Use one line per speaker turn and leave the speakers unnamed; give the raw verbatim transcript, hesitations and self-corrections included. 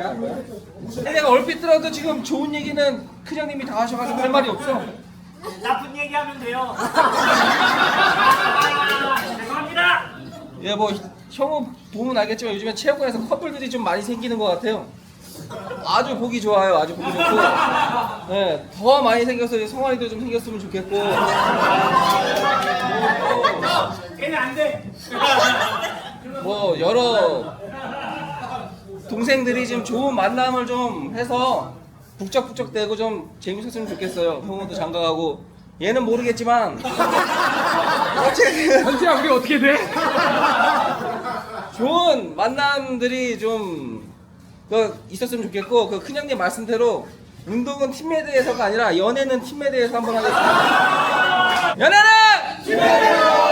거야? 내가 얼핏 들어도 지금 좋은 얘기는 큰형님이 다 하셔가지고 할 말이 없어.
나쁜 얘기하면 돼요. 죄송합니다.
예, 뭐 형은 보면 알겠지만 요즘에 체육관에서 커플들이 좀 많이 생기는 것 같아요. 아주 보기 좋아요. 아주 보기 좋고. 네, 더 많이 생겨서 성환이도 좀 생겼으면 좋겠고.
걔는 안 돼.
뭐 여러 동생들이 좀 좋은 만남을 좀 해서 북적북적 대고 좀 재밌었으면 좋겠어요. 형도 장가가고 얘는 모르겠지만 어쨌든
현지야 우리 어떻게 돼?
좋은 만남들이 좀 그, 있었으면 좋겠고 그 큰형님 말씀대로 운동은 팀메드에서가 아니라 연애는 팀메드에서 한번 하겠습니다. 연애는 팀메드!